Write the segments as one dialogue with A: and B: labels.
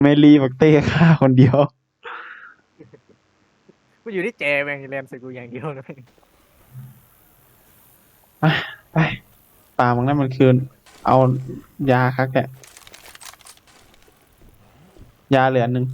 A: เมลีบักเต้ฆ่าคนเดียว
B: กูอยู่ที่แจแม่งแรมใส่กูอย่างเดียวนะแม่ง
A: ไปไปตามมึงนั่นมันคือเอายาคักแกะยาเหลือ1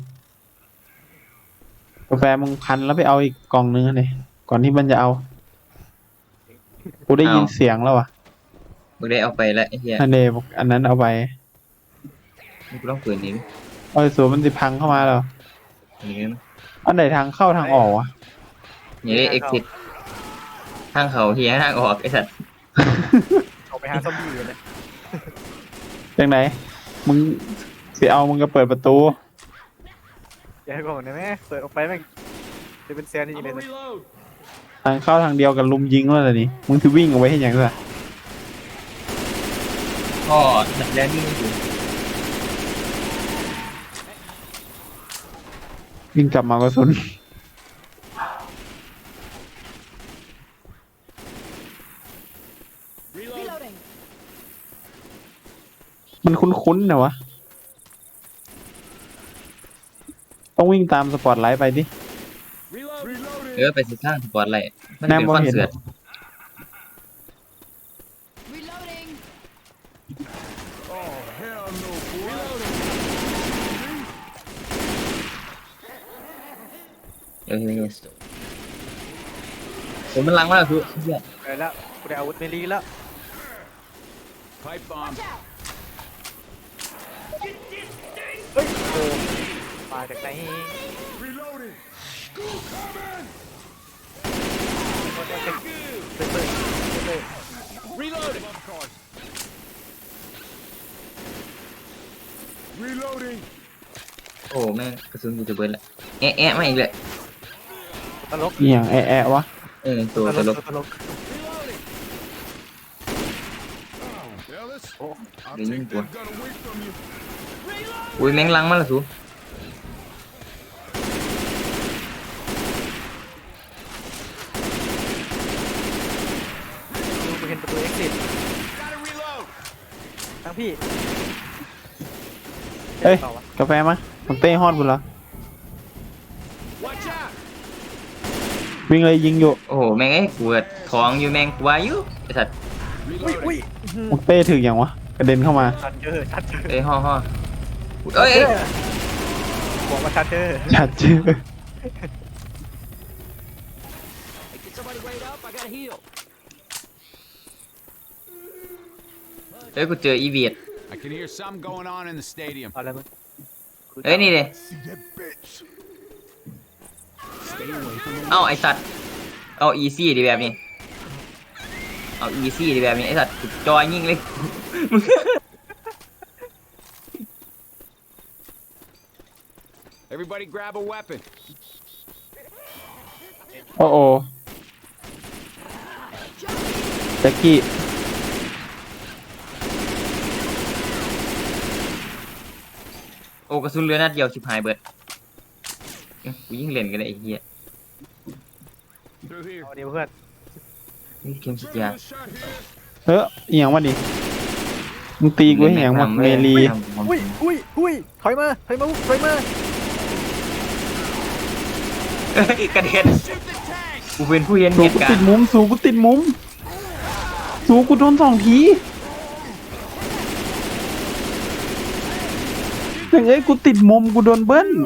A: กาแฟมึงพันแล้วไปเอาอีกกล่องนึงเลยก่อนที่มันจะเอากูได้ยินเสียงแล้วอ่ะ
C: มึงได้เอาไปแล้วไอ้เหี้ย
A: อันเดบอกอันนั้นเอาไป
C: มึงต้องเปิดนี้
A: เอาสูมันสิพังเข้ามาแล้ว
C: นี่นะ
A: อันไหนทางเข้าทางออกวะ
C: นี่ได้ exit ทางเขาเฮียทางออกไอ้สัตว์
B: ออกไปหาซอมบี้เลยนะ
A: จังไหนมึงสิเอามึงก็เปิดประตู
B: อย่าให้ก่อนนะแม่เปิดออกไปแม่งจะเป็นแซนนี่เลยนะ
A: ทางเข้าทางเดียวกับลุมยิงแล้วล่ะนี่มึงคือวิ่งเอาไว้ให้ยังไง
C: ก็ดักแดนที่นี่อยู่
A: วิ่งกลับมากระสุนมันคุ้นๆนะวะต้องวิ่งตามสปอตไลท์ไปดิ
C: ไปสิข้างสปอร์ตไลท์มัน
A: แน่
C: เป็น
A: บ่
C: คอน
A: เห็น
C: เสิร์ต
D: Reloading.
C: ผมมันลังมากคือเฮีย
B: ไปแล้วกูได้อาวุธเมลีแล้ว
E: Pipe bomb.
B: เฮ้ยโอ้มาจากไหน
E: Reloading.
B: เปิด
E: Reloading. Reloading.
C: โอ้แม่งกระสุนกูจะเบิร์ดละแอะมาอีกเลย
B: ตลก
A: อหย่างแอะวะ
C: ตัวตลก
B: ตลก
E: Yeah, let's.
B: Oh.
E: I'll
C: Để nhìn
E: take
C: của.
E: that gun away from you.
C: อุ้ยแม่งลังมาละสู
B: กูเห็นประตู exit
E: Gotta reload.
B: ทั้งพี่
A: เอ้ย
B: ต่อวะ
A: กาแฟมามึงเต้ฮอดบุญเหรอ
E: Watch out.
A: วิ่งเลยยิงอยู่
C: โอ้โหแม่งไอ้กูท้องอยู่แม่งกูว่าอยู่ไอ้สัตว์
B: อุ้ย
E: Reloading.
B: อุ้ย
A: มึงเต้ถึงอย่างวะกระเด็นเข้ามา
B: ชัดเจอชัดเจอ
C: เอ้ยห่อเอ้ย
B: บอกว่าชัดเจอ
A: ชัดชื่อ
D: Get somebody right up. I gotta heal.
C: เอ้ยกูเจออีเวียด
E: I can hear something going on in the stadium.
B: เอาอะไรมึง
C: เอ้ยนี่เลย
E: See that bitch.
C: เอ้าไอ้สัตว์เอาอีซี่ดีแบบนี้เอาอีซี่ดีแบบนี้ไอ้สัตว์กูจอยยิงเลย
E: Everybody grab a weapon.
A: โอ้โอแจ็คกี้
C: โอ้กระสุนเรือนัดเดียวชิบหายเบิดกูยิงเล่นกันเลยไอ้เหี้ย
E: Through here.
B: เอาเดี๋ยวเพื่อน
C: นี่เข็มฉีดยา
E: Shooting a shot here.
A: เอออหย่างวะดิมึงตีกูให้อย่างวะเมลี
B: อุ้ยอุ้ยอุ้ยถอยมาถอยมาถอยมา
C: เอ้ยกระเด็นกูเป็นผู้เห็น
A: สู
C: เหตุ
A: กู
C: การ
A: ติด
C: ณ์
A: มุมสูกูติดมุมสูกูโดน2 ทีอย่างเอ้ยกูติดมุมกูโดนเบิ้ล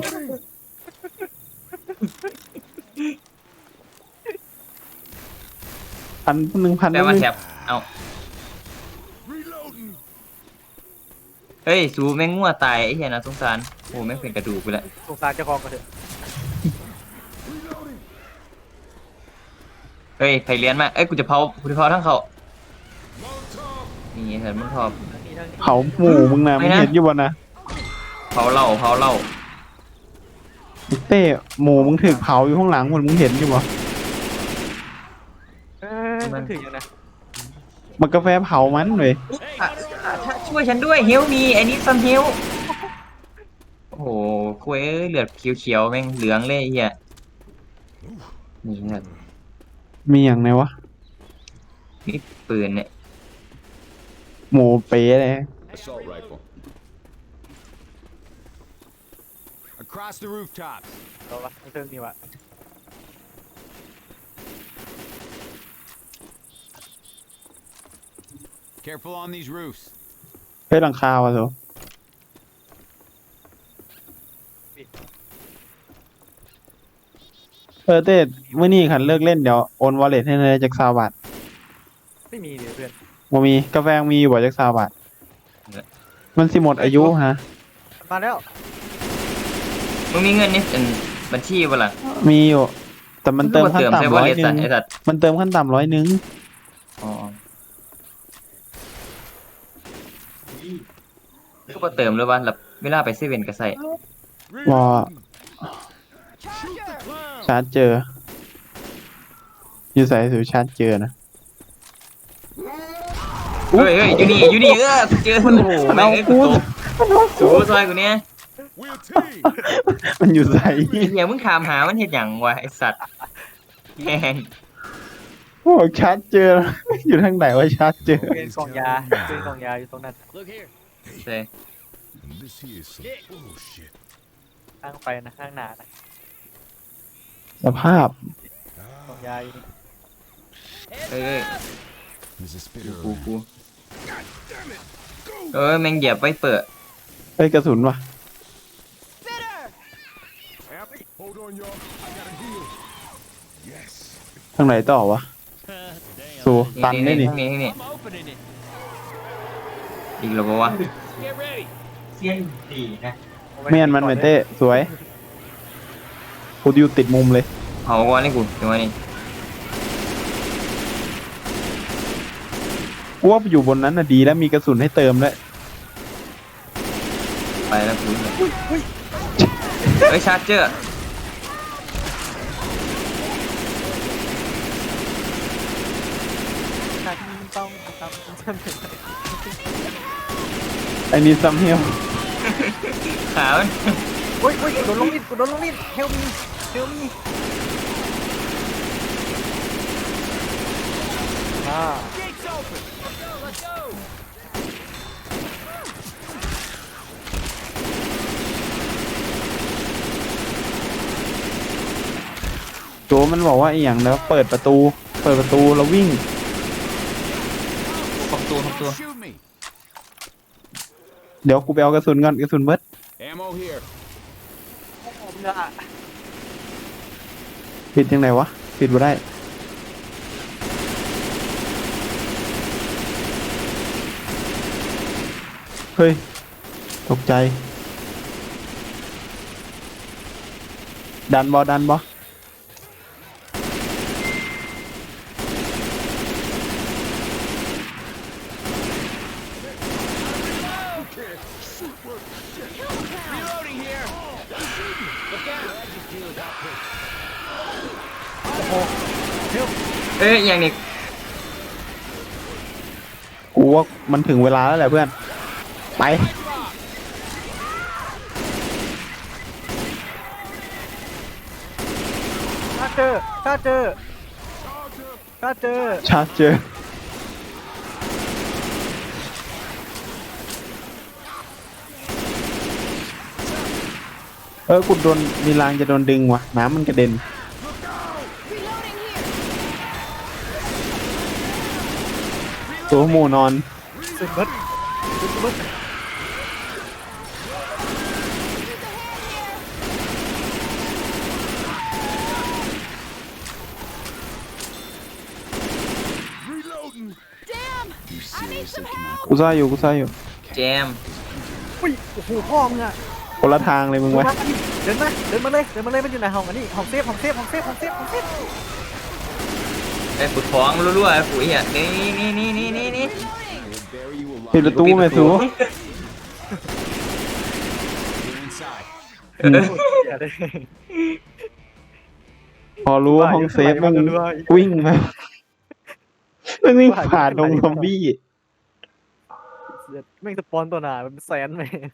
A: 1,000
C: แต่ว่าแถบเอา
E: Reloading.
C: เฮ้ยสูแม่งงัวตายไอ้เหี้ยนะสงสารโอ้แม่งเป็นกระดูกไปแล้ว
B: สงสารเจ้าของกันเถอะ
E: Reloading.
C: เฮ้ยไผเรียนมาเอ้ยกูจะเผาทั้งเขา
E: Molotov.
C: นี่เห็นมันพอ
B: นี่ทั้งนี้
A: เผาหมู่มึงนะ
C: ไม่
A: มึง
C: นะ
A: เห็นอยู่บ่นะ
C: เผาเหล้า
A: เต้หมู่มึงถึกเผาอยู่ข้างหลังหมดมึงเห็นอยู่บ่
B: มันถึงยังนะ
A: มันกาแฟเผามันเลย
C: ถ้าช่วยฉันด้วยเฮลมีไอ้นี่ซัมเฮลโอ้โหคุยเลือดเขียวๆแม่งเหลืองเลยไอ้เหี้ยนี่ครับ
A: มีอย่างไรวะ
C: นี่ปืนเนี่ย
A: หมูเป๊ะเลย
E: Assault rifle. Across the rooftops.
B: ตัววะไม่เทิงนี่วะ
E: Careful on these roofs.
A: เฮ้ยหลังคาวะสูเต้เมื่อนี้ขันเลิกเล่นเดี๋ยวโอนวอลเล็ตให้เลยจาก20 บาท
B: ไม่มีเดี๋ยวเพื่อน
A: บ่มีกาแฟมีอยู่บ่จาก20 บาท มันสิหมดอายุฮะ
B: มาแล้ว
C: มึงมีเงินนี่เป็นบัญชีป่ะล่ะ
A: มีอยู่ แต่มันเติมขั้น
C: ใช่
A: ต่ำ
C: ว่า
A: ร้อย
C: เรีย
A: หนึ่ง
C: ไอ้สัตว์
A: มันเติมขั้นต่ำ100
C: อ๋อก็บ่เติมเลยว่าแบบเวลาไปเซเว่นก็ใส่
A: ว่า
D: Charger!
A: ชาร์จเจอ อยู่ใส่สูชาร์จเจอนะ
C: เฮ้ยอยู่นี่กูเจอ
A: มันโห
C: แม่งเอ้ยกู
A: มัน
C: ตกสูซอยกูเนี่ย
E: We're a team.
A: มันอยู่ใส่
C: เฮียมึงถามหามันเฮ็ดหยังวะไอ้สัตว์แม่ง
A: โอ้ชาร์จเจอ อยู่ทางไหนว่าชาร์จเจอ
B: เป็นกล่องยาเป็นกล่องยาอยู่ตรงนั้น
D: Look here.
C: ใช่
E: This here is some bullshit.
B: ข้างไปนะข้างหน้านะ
A: สภาพ
B: กล่องยาอยู่นี่
C: เอ้ย
E: There's a spitter
C: กู
E: around.
C: กูแม่งเหยียบไว้เปิด
A: เฮ้ยกระสุนว่ะ
D: Spitter!
E: Hold on, y'all. I gotta heal. Yes.
A: ทางไหนต่อวะ สูตันได้นี่
C: ทั้งนี้
D: I'm opening it.
C: อีกแล้วบ่วะ
D: Get ready.
C: เสียงดีนะ
A: เมียนมันเหมือนเต้สวยกูอยู่ติดมุมเลย
C: เอาก่อนเลยกูจังหวะนี้
A: กูว่าอยู่บนนั้นน่ะดีแล้วมีกระสุนให้เติมด้วย
C: ไปแล้วกูเฮ้ยชาร์เจอร์
B: หน้าที่ต้องทำต้องทำ
A: ไอ้นี่ซัมเฮล
C: ขามัน
B: โอ้ยกูโดนลงมิดกูโดนลงมิดเฮลมี
D: Gates open. Let's go.
A: โจมันบอกว่าไอ้อย่างแล้วเปิดประตูแล้ววิ่ง
C: ของตัว
E: Shoot me.
A: เดี๋ยวกูไปเอากระสุนก่อนกระสุนเบิด
E: Ammo here.
B: ผมจะ
A: ปิดยังไงวะปิดบ่ได้ เฮ้ย ตกใจ ดันบอ
E: Reloading here. Look out.
C: เอ้ยอย่างนี้
A: กูว่ามันถึงเวลาแล้วแหละเพื่อน ไป
B: ถ้าเจอ
A: ชาร์จเจอ กูโดนมีรางจะโดนดึงว่ะ น้ำมันกระเด็น
D: Reloading here.
A: ตัวหมูนอน
B: สุดเบิดสุดเบิด
E: Reloading.
D: Damn. I need some help.
A: กูซ่าอยู่
C: แจม
B: อุ้ยโอ้โหพ่อมึงอะ
A: คนละทางเลยมึงวะ
B: เดินมาเลยมันอยู่ในห้องอันนี้ห้องเซฟ
C: ไอ้กูท้องรั่วๆไอ้กูเหี้ยนี่
E: Bury you alive.
A: ปิดประตูไหมสู
E: You're inside.
B: อย่าเลย
A: พอรู้ว่าห้องเซฟมันวิ่งมามันวิ่งผ่านตรงซอมบี้
B: แม่งสปอนตัวหนามันแสนแม่ง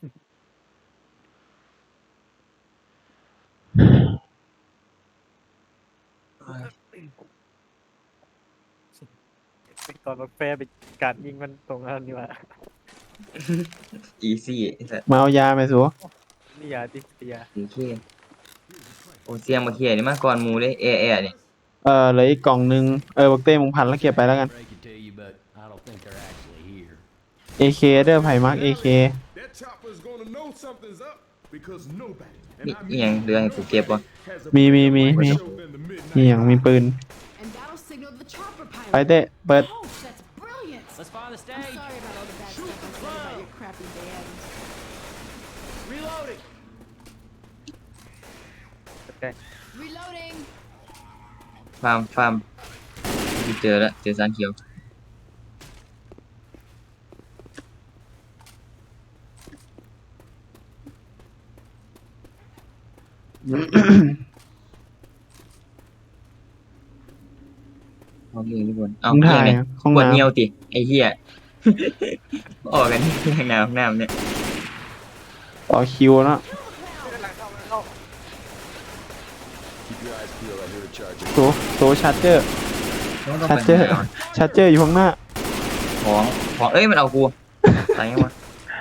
B: ตอนมันแฟร์ไปการยิงมันตรงนั้นนี่ว่า
C: อีซี่ไอ้สัส
A: มาเอายาไหมสู
B: นี่ยาดิเตีย
C: โอเคโอเสียงมาเขียนี่มาก่อนหมูเลยเนี่ย
A: เหลืออีกกล่องนึงบักเต้มึงพันแล้วเก็บไปแล้วกัน
D: Break it to you, but I don't think they're actually here.
A: AK เด้อไผ่มาร์ก AK
E: That chopper's gonna know something's up because nobody,
C: มี
E: and I
C: อีหยัง
E: mean
C: เหลือให้กูเก็บวะ
E: has a
A: มี
E: better show than the
A: มี
E: midnight.
A: อย่างมีปืน
F: And that'll signal the chopper
A: ไป
F: pilot.
A: เต้เปิด
F: Oh, that's brilliant.
D: Let's find the
F: I'm
D: stage.
F: sorry about all the bad stuff I said about your crappy band.
D: Reloading.
F: Reloading.
C: ฟาร์มเจอแล้วเจอสารเขียว เอาเรื่องทุกคนเอา
A: มึงถ่าย
C: เนี่ย
A: ห้อง
C: ปวด
A: น้ำ
C: เงียวติไอ้เหี้ย ออกกันที่ห้องน้ำเนี่ย
A: ต่อคิวเนาะ
E: Keep your eyes peeled. I hear a charger.
A: โซชาร์เจอร์
C: ต้อง
A: ชา
C: ไป
A: ร์เจอร์
C: หา
A: ชาร์เจอร์อยู่ข้างหน้า
C: ของเอ้ยมันเอากูตายยังวะ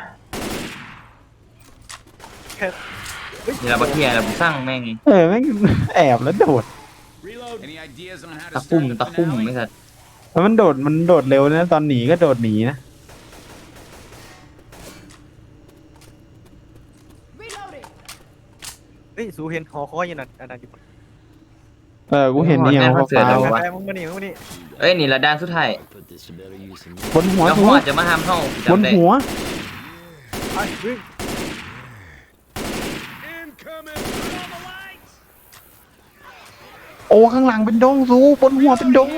C: นี่เราบักเทียเราสร้างแม่งไง
A: แม่งแอบแล้วโดด
D: Reload. Any ideas on how
C: ตะคุ่มไม่สัตว์
A: แล้วมันโดดเร็วนะตอนหนีก็โดดหนีนะ
F: Reloading.
B: เฮ้ยสูเห็นหอคอยอยู่นั่นอันนั้นอยู่
A: กูเห็นนี่อย่างฟ้า
B: ไปมึงมานี่มึงมานี่
C: เอ้ยนี่ละด้านสุดท้าย
D: Put this to better use in
A: บนหัว
C: แล้ว
A: สู
C: พ่อจะมาห้ามเฮา
A: บน
C: จำได้
A: หัว
B: ไปวิ่ง
E: Incoming.
A: โอ้ข้างหลังเป็นดงสูบนหัวเป็นดง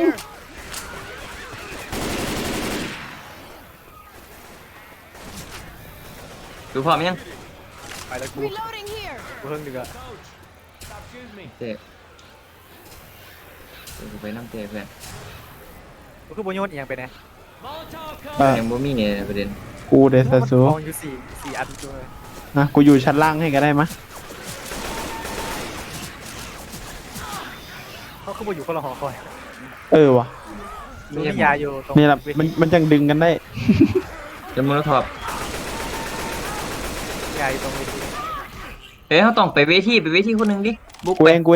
C: ดูพร้อมยัง
B: ไปแล้วกู
F: Reloading here.
B: กูเพิ่งดึกอะ
D: Stop shooting me.
C: เตะกูไปน้ำเตะเพื่อน
B: กูคือโบโยนเอียงไปไหน
D: Molotov
C: ยังบ่มีเนี่ยประเด็น
A: กูเดซาสู
B: มองอยู่สี่อันตัวเลย
A: นะกูอยู่ชั้นล่างให้ก็ได้มะ
B: เขาคือโบอยู่คนละหอคอย
A: ว่ะ
B: มียาอยู่ตรง
A: นี่แหละมันจังดึงกันได้
C: จะมือทอบ
B: ยาอยู่ตรงเวที
C: เฮ้ยเขาต้องไปเวทีคนหนึ่งดิบุก
A: กู
C: ไป
A: เอง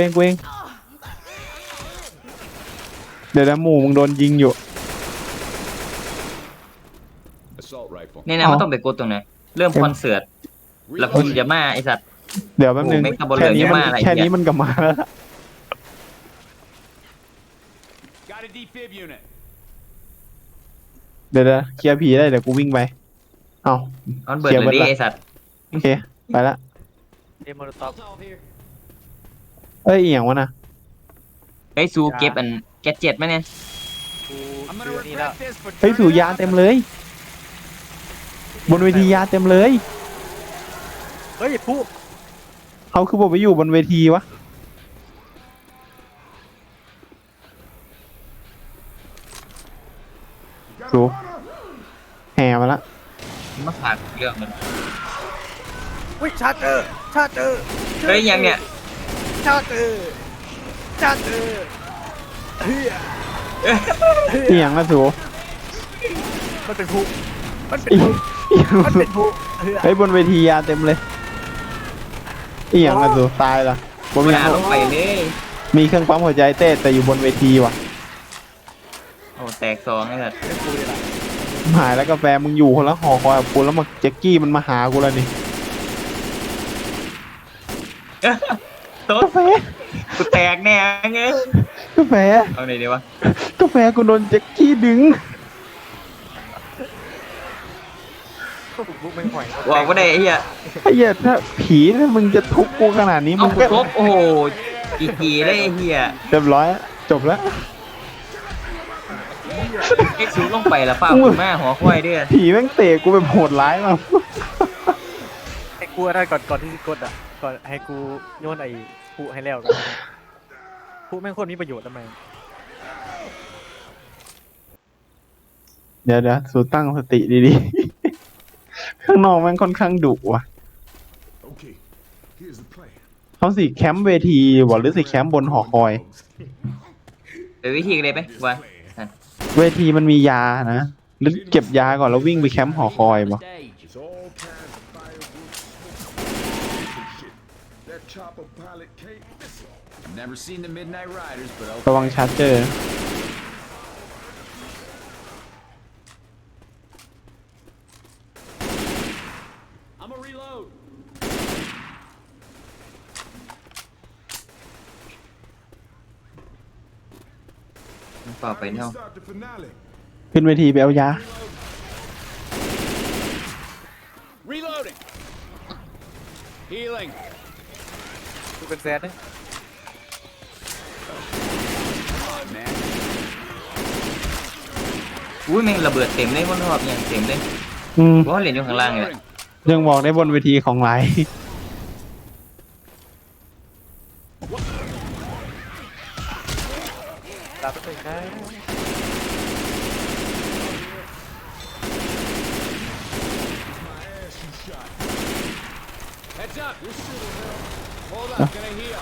A: เดี๋ยวนะหมูมึงโดนยิงอยู่
E: Assault rifle.
C: นี่นะมันต้องไปกดตรงไหนเริ่มคอนเสิร์ตแล้วคุณจะมาไอสัตว์
A: เดี๋ยวแป๊บนึง
C: โอ้ไม่กระบวน
A: แค่นี้
C: เลย
A: มัน
C: จะมาอะไร
A: แค่
C: เนี่ย
A: นี้มันก็มาแล้วล่ะ
D: Got a defib unit.
A: เดี๋ยวเคลียร์ผีได้เดี๋ยวกูวิ่งไปเอา
C: เอาเบิร์ดเลยดิไอสัตว์
A: โอเคไปละ
B: เอมอร์ต็อป
D: Molotov here.
A: เอียงวะนะ
C: ไอ้ซูเก็บอันแกดเจ็ตไหมเนี่ย
B: กู
D: I'm
B: เจ
D: gonna
B: อนี่แล้ว
D: regret this, but
A: เฮ้ยสูยาเต็มเลย บนเวทียาเต็มเลย
B: เฮ้ยผู้
A: เขาคือบอกไปอยู่บนเวทีวะสูแห่มาละ
C: มาฝากเรื่องมัน
B: อุ้ยชาร์เจอร์
C: เฮ้ยยังเนี่ย
B: ชาร์เจอร์เฮ้ย
A: เอียงละสู
B: มันเป็นผู้
A: เอียงเอียง
B: มัน
A: สู
B: เป็นผู้เฮ้ย
A: เฮ้ยบนเวทียาเต็มเลยเอียงละสูตายละบน
C: ห
A: เว
C: นา
A: ที
C: ลงไปเลย
A: มีเครื่องปั๊มหัวใจเต้แต่อยู่บนเวทีว่ะ
C: โอ้แตกสองไอ้สัตว์
B: เป็นผู้เลยล่ะ
A: หายแล้วกาแฟมึงอยู่คนละหอคอยกับกูแล้วมาแจ็คกี้มันมาหากูแล้วนี่
C: โต๊ะ
A: กาแฟ
C: กูแตกแน่เงี้ย
A: กาแฟ
C: เอาไหนดีวะ
A: กาแฟกูโดนแจ็คกี้ดึง
B: พวกบุกไม่ห่อย
C: บอกว่าได้ไอ้เหี้ย
A: ไอ้เหี้ยถ้าผีถ้ามึงจะทุบกูขนาดนี้
C: เอา
A: มึง
C: กู
A: ก็
C: ครบโอ้โหกี่ได้ไอ้เหี้ย
A: เรียบร้อยแล้วจบแล้ว
C: ไอ้ซูลงไปแล้วป้าคุณแม่หัวควายด้วย
A: ผีแม่งเตะกูแบบโหดร้ายมาก
B: ให้กูอะไรก่อนที่กดอ่ะก่อนให้กูโยนไอ้ผู้ให้แล้วกันผู้แม่งโคตรมีประโยชน์ทำไม
A: เดี๋ยวสูตั้งสติดีๆ ข้างนอกแม่งค่อนข้างดุว่ะ
E: Okay, here's the plan.
A: เขาสิแคมป์เวทีบอกหรือสิแคมป์บนหอคอย
C: ไปวิธีกันเลยไหมวะ
A: เวทีมันมียานะหรือเก็บยาก่อนแล้ววิ่งไปแคมป์หอคอย
D: the
A: บ่
D: stage.
E: It's all kinds of firewood. That chopper pilot can't miss it.
D: I've never seen the Midnight Riders, but
A: ระวังชาร์เจอร์
D: I'm a reload.
C: ต่อไป
E: How do
C: เนาะ
E: we start the finale?
A: ขึ้นเวทีไปเอายา
D: Reloading. Healing.
B: กูเป็นแซดนะ
D: Man.
C: อุ้ยแม่งระเบิดเต็มเลยบนรอบอย่างเต็มเลย
A: อืม
C: เพราะว่าเหรียญอยู่ข้างล่างเลย
D: Reloading.
A: ยังบอกได้บนเวทีของหลาย
B: ลาไปเลยนะ
D: Heads up. Hold up. Gonna heal.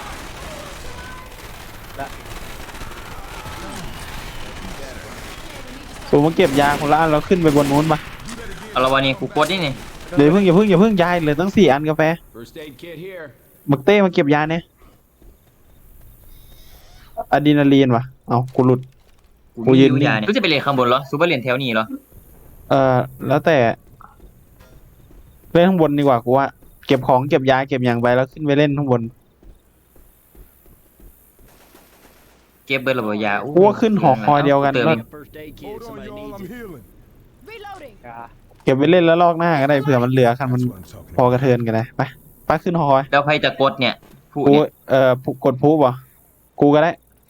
A: สูมาเก็บยาคนละอันแล้วขึ้นไปบนนู้นปะ
C: เอาละวันนี้กูกดนี่นี่
A: เดี๋ยวอย่าเพิ่งยายเหลือตั้ง4 อันกาแฟ
D: First aid kit here.
A: บักเต้มาเก็บยาเนี่ยอะดรีนาลีนวะเอากูหลุด กูยืน
C: ดูยาเนี่ยกูจะไปเรียนข้างบนเหรอซูเปอร์เรียนแถวนี้เหรอ
A: แล้วแต่เล่นข้างบนดีกว่ากูว่าเก็บของเก็บยาเก็บอย่างไปแล้วขึ้นไปเล่นข้างบน
C: เก็บเบิร์ดระเบิดยา
A: กูว่าขึ้นหอคอยเดียวกัน
C: ติม
A: แล้ว
C: อีก
D: First aid kit.
E: Hold on,
D: Somebody
E: y'all.
D: needs
E: I'm
D: it.
E: healing.
F: Reloading.
B: ยา
A: เก็บไปเล่นแล้วลอกหน้าก็ได้เผื่อมันเหลือคันมัน
E: That's what I'm talking
A: พอ
E: about.
A: กระเทินกันเลยไปขึ้นหอคอย
C: แล้วใครจะกดเนี่ยผู้
A: กู
C: เนี่ย
A: กดพูบอ่ะกูก็ได้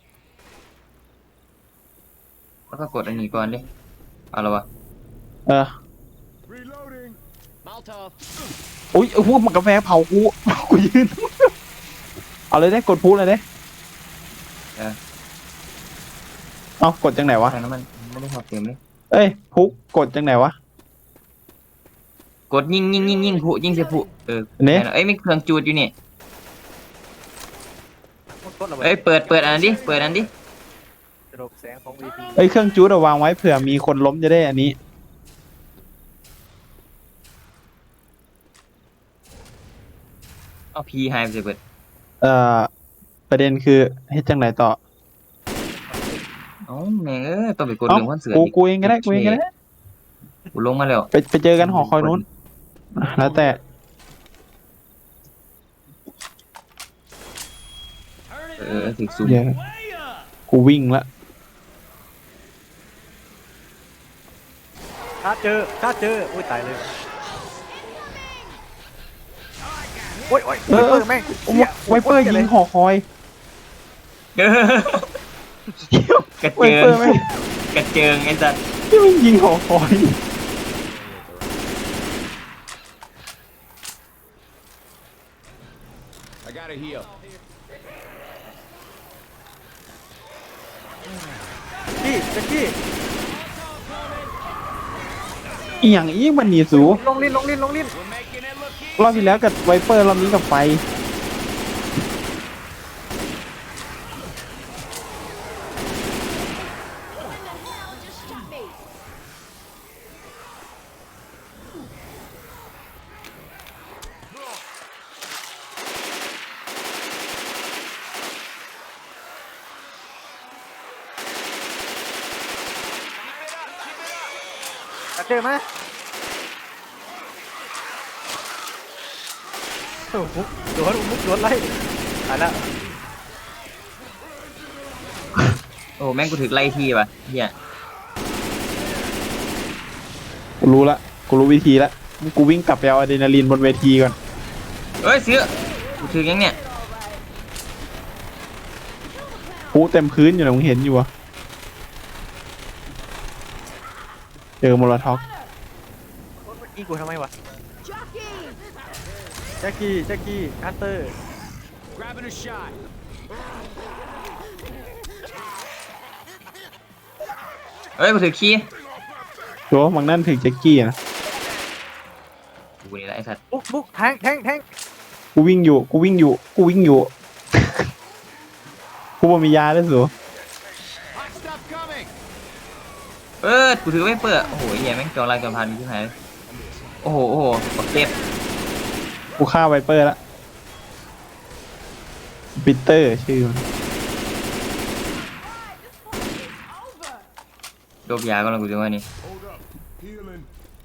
C: แล้วก็กดอันนี้ก่อนดิเอาละวะ
A: เออ
E: Reloading.
D: Molotov.
A: อุ้ยพวกมันกาแฟเผากู กูยืน เอาเลยได้กดพูเลยได้เอากดจังไหนวะ
C: ทางนั้นมันไม่ได้พอเต็มเลย
A: เอ้ยพุกกดจังไหนวะ
C: กดยิงผู้ยิงเสียผู้
A: เนี่ย
C: เอ้ยมีเครื่องจูดอยู่นี่
B: มันกดระเบิด
C: เอ้ยเปิดอันนั้นดิเปิดอันนั้นดิ
B: กระโดดแสงของวีพี
A: เอ้ยเครื่องจูดเอาวางไว้เผื่อมีคนล้มจะได้อันนี้
C: เอาพีหายไปเลยเปิด
A: ประเด็นคือเฮ็ดจังไหนต่อ
C: เอ้าแม่งต้องไปกด
A: เอ้า
C: เรื่องคอนเสิร์ต
A: กูเองก็ได้กูเองก็ได้
C: กูลงมาแล้ว
A: ไปเจอกันหอคอยนู้นแล้วแต่
C: ถึงซูม
A: เดี๋ยว
D: Way up.
A: กูวิ่งละ
B: ชาร์จเจออุ้ยตายเลยโอ้ยไวเปอร์แม่ง
A: ไวเปอร์ยิงหอคอย
C: กระ
A: ไว
C: เจิ
A: เปอง ร์แม่ง
C: กระเจิงไอ้สัส
A: ที่มันยิงหอคอย
D: I gotta heal.
B: กี้แจ็คกี้
A: อีหยังอีมันหนีสู
B: ลงลิ้น
D: We're making it look easy.
A: รอบที่แล้วกับไวเปอร์รอบนี้กับไฟ
B: เจอไหมโอ้โหโดนไล่ตายแล้ว
C: โอ้แม่งกูถึกไล่ที่ป่ะเฮีย
A: กูรู้ละกูรู้วิธีละกูวิ่งกลับไปเอาอะดรีนาลีนบนเวทีก่อน
C: เอ้ยเสือกูถึกยังเนี่ย
A: พูเต็มพื้นอยู่นะมึงเห็นอยู่วะเจอโมโลท็อก
B: ยิงกูทำไมวะ
F: Jockey.
B: แจ็คกี้ฮันเตอร์
D: Grabbing a shot.
C: เอ้ยกูถึกขี้
A: โจ้มังนั่นถึงแจ็คกี้นะ
C: กูนี่แหละไอ้สัส
B: บุกแทง
A: กูวิ่งอยู่ กูบ่มียาด้วยสู
D: Hot stuff coming.
C: กูถือไม่เปิดโอ้โหเฮียแม่งจองลายจองพันที่หายเลยโอ้โหปักเก็บ
A: กูฆ่าไวเปอร์ละปีเตอร์ชื่อมัน
C: โดบยาก็แล้วกูจะว่านี่
E: Hold up. Healing.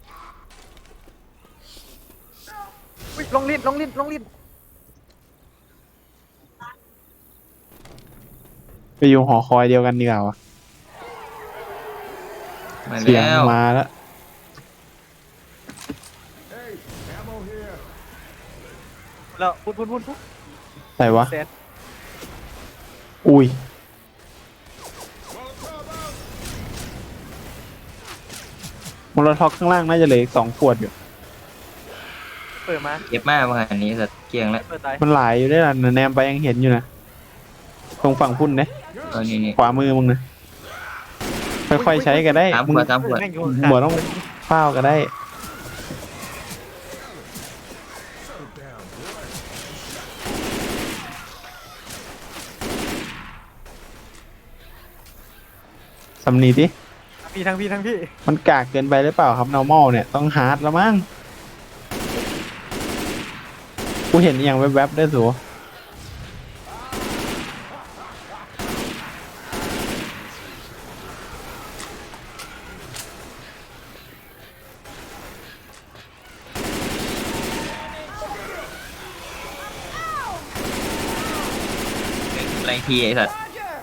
B: อุ๊ยลงลิ้นลงลิ้นลงลิ้น
A: ไปอยู่หอคอยเดียวกันดีกว่าวะ
C: มา
A: เสียง
C: แล้ว
A: มาแล้ว
E: Hey, ammo here.
B: แล้วพุ่น
A: ไหนวะ
B: เซต
A: อุ้ย
E: Molotov out.
A: มอลท็อกข้างล่างน่าจะเหลืออีก2 ขวดอยู่
B: เปิดมา
C: เก็บมากว่าอันนี้สัตว์เกลียงแล้ว
B: เปิดตาย
A: มันหลายอยู่ได้ละแนมไปยังเห็นอยู่นะตรงฝั่งพุ่นเนี่ย
C: นี่
A: ขวามือมึงนะค่อยๆใช้ก็ได้
C: สาม
A: มึ
C: ข
A: ง
C: วดสามขวด
B: แม่งอยู่
A: หมดต้องเฝ้าก็ได้สำนีดิ
B: ทั้งพี่
A: มันกากเกินไปหรือเปล่าครับ normal เนี่ยต้องฮาร์ดแล้วมั้งกูเห็นอย่างแวบๆได้สู
C: ไรทีไอ้สัตว์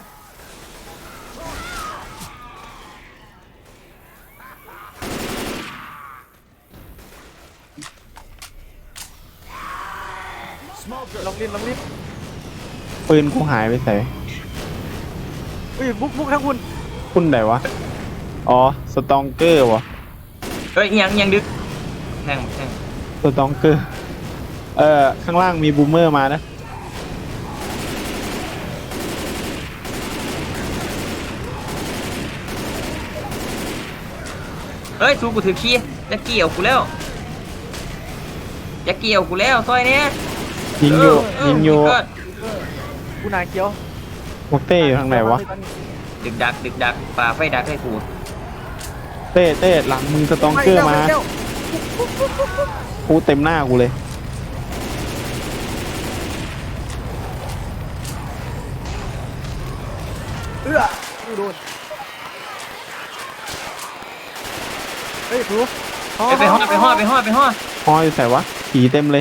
B: ลงลิ้น
A: ปืนกูหายไปใส่
B: อุ้ยบุกทั้งคุณ
A: พุ่นไหนวะ อ๋อ สตองเกอร์วะ
C: เอ้ยยังดึกแทง
A: สตองเกอร์ ข้างล่างมีบูมเมอร์มานะ
C: เฮ้ยสู้กูถือขี้จะเกี่ยวกูแล้วจะเกี่ยวกูแล้วซอยเนี้ย
A: ยิงอยู่ยิงอยู่
C: ก็
B: กูนาเกียว
A: พวกเต้อยู่ทางไหนวะ
C: ดึกดักป่าไฟดักให้กู
A: เต้หลังมึงสตองเกอร์มากูเต็มหน้ากูเลย
B: โดนเฮ้ยถู
C: ไปห่อ
A: ฮออยู่ใส่วะผีเต็มเลย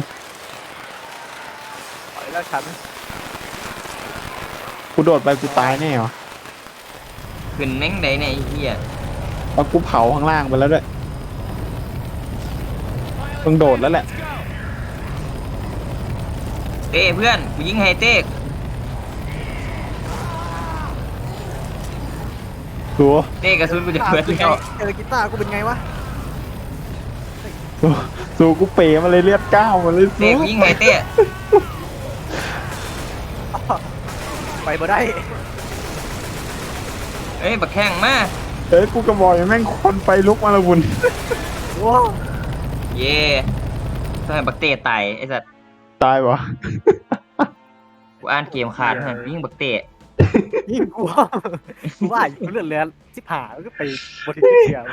B: แล้วฉัน
A: กูโดดไปกูตายแน่วะ
C: ขึ้นแม่งใดเนี่ยไอ้เหี้ย
A: แล้วกูเผาข้างล่างไปแล้วด้วยต้องโดดแล้วแหละ
C: เต้เพื่อนกูยิงให้เต้
A: ดู
C: เต้กระสุนกูจะเปิดแล้ว
B: เจอกีตาร์กูเป็นไงวะ
A: ดูกูเป๋มาเลยเลือดก้าวมาเลย
C: เต้กูยิงให้เต้
B: ไปบ่ได้
C: เอ้ยบักแข้งมา
A: เอ้ยกูกระบอกอย่างแม่งคนไฟลุกมาละบุญ
B: ว้าว
C: เย่ต้องให้บักเต้ตายไอ้สัตว์
A: ตายวะ
C: กูอ่านเกมขาดให้ยิงบักเต้
B: ยิ่งกลัวว่าอยู่เลือดเลือนสิบหาแล้วก็ไปบริเวณเชีย